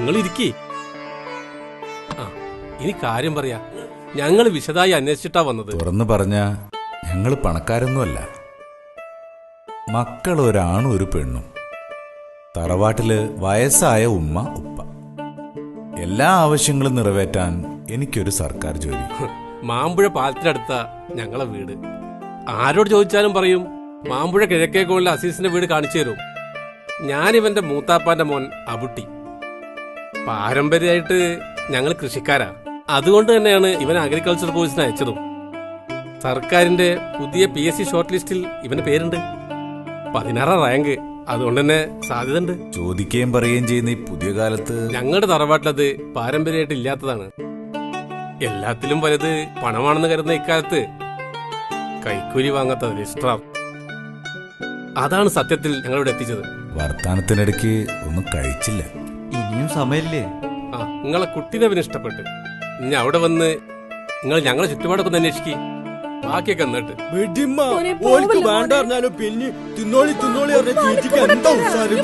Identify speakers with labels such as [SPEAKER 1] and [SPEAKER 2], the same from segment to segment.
[SPEAKER 1] നിങ്ങൾ ഇരിക്കേ. ആ, ഇനി കാര്യം പറയാ. ഞങ്ങൾ വിശദമായി അന്വേഷിച്ചിട്ടാ വന്നത്.
[SPEAKER 2] തുറന്നു പറഞ്ഞ ഞങ്ങൾ പണക്കാരൊന്നുമല്ല. മക്കൾ ഒരാണും ഒരു പെണ്ണും. തറവാട്ടില് വയസ്സായ ഉമ്മ ഉപ്പ. എല്ലാ ആവശ്യങ്ങളും നിറവേറ്റാൻ എനിക്കൊരു സർക്കാർ ജോലി.
[SPEAKER 1] മാമ്പുഴ പാലത്തിനടുത്ത ഞങ്ങളെ വീട്. ആരോട് ചോദിച്ചാലും പറയും മാമ്പുഴ കിഴക്കേക്കോളിലെ അസീസിന്റെ വീട് കാണിച്ചു തരും. ഞാനിവന്റെ മൂത്താപ്പാന്റെ മോൻ അബുട്ടി. പാരമ്പര്യമായിട്ട് ഞങ്ങൾ കൃഷിക്കാരാ. അതുകൊണ്ട് തന്നെയാണ് ഇവൻ അഗ്രികൾച്ചർ കോഴ്സിന് അയച്ചതും. സർക്കാരിന്റെ പുതിയ PSC ഷോർട്ട് ലിസ്റ്റിൽ ഇവന്റെ പേരുണ്ട്. 16 റാങ്ക്. അതുകൊണ്ട് തന്നെ സാധ്യത ഉണ്ട്.
[SPEAKER 2] ചോദിക്കുകയും പറയുകയും ചെയ്യുന്ന ഈ പുതിയ കാലത്ത്
[SPEAKER 1] ഞങ്ങളുടെ തറവാട്ടിലത് പാരമ്പര്യമായിട്ട് ഇല്ലാത്തതാണ്. എല്ലാത്തിലും വലുത് പണമാണെന്ന് കരുതുന്ന ഇക്കാലത്ത് കൈക്കൂലി വാങ്ങാത്ത രജിസ്ട്രാർ. അതാണ് സത്യത്തിൽ ഞങ്ങളിവിടെ എത്തിച്ചത്.
[SPEAKER 2] വർത്താനത്തിനിടയ്ക്ക് ഒന്നും കഴിച്ചില്ല.
[SPEAKER 3] ഇനിയും സമയമില്ലേ?
[SPEAKER 1] ആ, നിങ്ങളെ കുട്ടീനെ അവന് ഇഷ്ടപ്പെട്ട്. ഇനി അവിടെ വന്ന് നിങ്ങൾ ഞങ്ങളെ ചുറ്റുപാടൊക്കെ ഒന്ന് അന്വേഷിക്കേ. ബാക്കിയൊക്കെ എന്നിട്ട്
[SPEAKER 4] വേണ്ട പറഞ്ഞാലും പിന്നെ തിന്നോളി തിന്നോളി എന്താ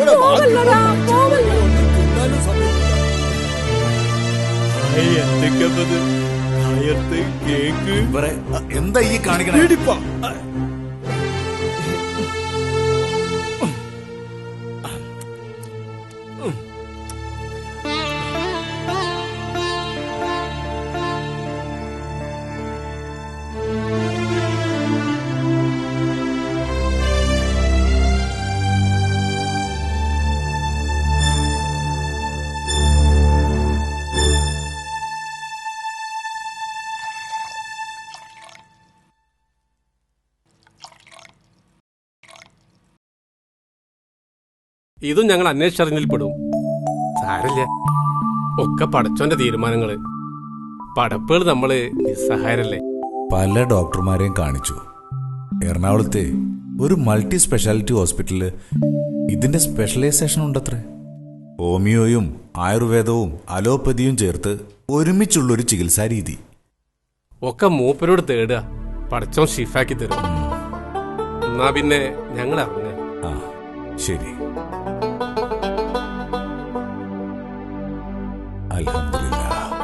[SPEAKER 2] എന്താ ഈ കാണിക്കണേ?
[SPEAKER 1] ഇതും ഞങ്ങൾ അന്വേഷിച്ചറിഞ്ഞിൽ പെടും. സാരല്ല, ഒക്കെ പടച്ചോന്റെ തീരുമാനങ്ങള്. പടപ്പുകൾ നമ്മള് നിസ്സഹായരല്ലേ.
[SPEAKER 2] പല ഡോക്ടർമാരെയും കാണിച്ചു. എറണാകുളത്തെ ഒരു മൾട്ടി സ്പെഷ്യാലിറ്റി ഹോസ്പിറ്റലില് ഇതിന്റെ സ്പെഷ്യലൈസേഷൻ ഉണ്ടത്രേ. ഹോമിയോയും ആയുർവേദവും അലോപ്പതിയും ചേർത്ത് ഒരുമിച്ചുള്ളൊരു ചികിത്സാ രീതി.
[SPEAKER 1] ഒക്കെ മൂപ്പരോട് തേടുക, പടച്ചോൻ ഷിഫാക്കി തരും. എന്നാ പിന്നെ ഞങ്ങൾ അറിഞ്ഞ.
[SPEAKER 2] ആ ശരി. അൽഹംദുലില്ലാ.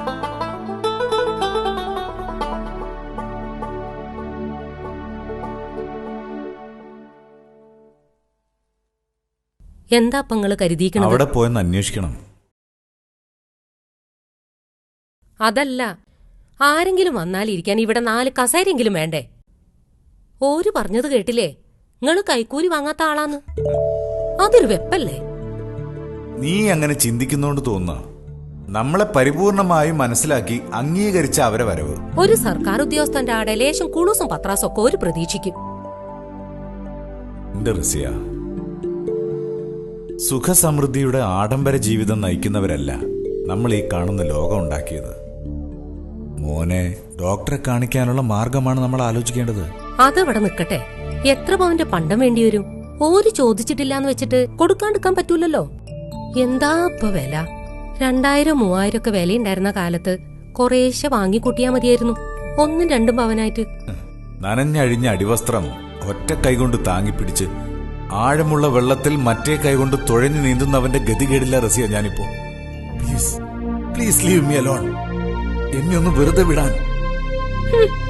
[SPEAKER 5] എന്താ പങ്ങള് കരുതിയിരിക്കണം?
[SPEAKER 2] അവിടെ പോയെന്ന് അന്വേഷിക്കണം.
[SPEAKER 5] അതല്ല, ആരെങ്കിലും വന്നാലിരിക്കാൻ ഇവിടെ 4 കസേരെങ്കിലും വേണ്ടേ? ഓര് പറഞ്ഞത് കേട്ടില്ലേ, നിങ്ങള് കൈക്കൂലി വാങ്ങാത്ത ആളാന്ന്. അതൊരു വെപ്പല്ലേ?
[SPEAKER 2] നീ അങ്ങനെ ചിന്തിക്കുന്നോണ്ട് തോന്നുന്ന നമ്മളെ പരിപൂർണമായും മനസ്സിലാക്കി അംഗീകരിച്ച അവരെ വരവ്.
[SPEAKER 5] ഒരു സർക്കാർ ഉദ്യോഗസ്ഥന്റെ ആടെ ലേശം കുണുസും പത്രാസും ഒക്കെ ഒരു പ്രതീക്ഷിക്കും.
[SPEAKER 2] എന്റെ റസിയ, സുഖസമൃദ്ധിയുടെ ആഡംബര ജീവിതം നയിക്കുന്നവരല്ല നമ്മൾ ഈ കാണുന്ന ലോകം ഉണ്ടാക്കിയത്. മോനെ ഡോക്ടറെ കാണിക്കാനുള്ള മാർഗമാണ് നമ്മൾ ആലോചിക്കേണ്ടത്.
[SPEAKER 5] അതവിടെ നിക്കട്ടെ. എത്ര പവന്റെ പണ്ടം വേണ്ടിവരും? ഓര് ചോദിച്ചിട്ടില്ലാന്ന് വെച്ചിട്ട് കൊടുക്കാണ്ടിരിക്കാൻ പറ്റൂലല്ലോ. എന്താ ഇപ്പൊ വില? 2000-3000 ഒക്കെ വിലയുണ്ടായിരുന്ന കാലത്ത് കുറേശ്ശെ വാങ്ങിക്കൂട്ടിയാ മതിയായിരുന്നു. 1-2 പവനായിട്ട്.
[SPEAKER 2] നനഞ്ഞഴിഞ്ഞ അടിവസ്ത്രം ഒറ്റ കൈകൊണ്ട് താങ്ങിപ്പിടിച്ച് ആഴമുള്ള വെള്ളത്തിൽ മറ്റേ കൈകൊണ്ട് തുഴഞ്ഞു നീന്തുന്നവന്റെ ഗതികേടില്ല റസിയ ഞാനിപ്പോ. Please please leave me alone. എന്നെ ഒന്ന് വെറുതെ വിടാൻ.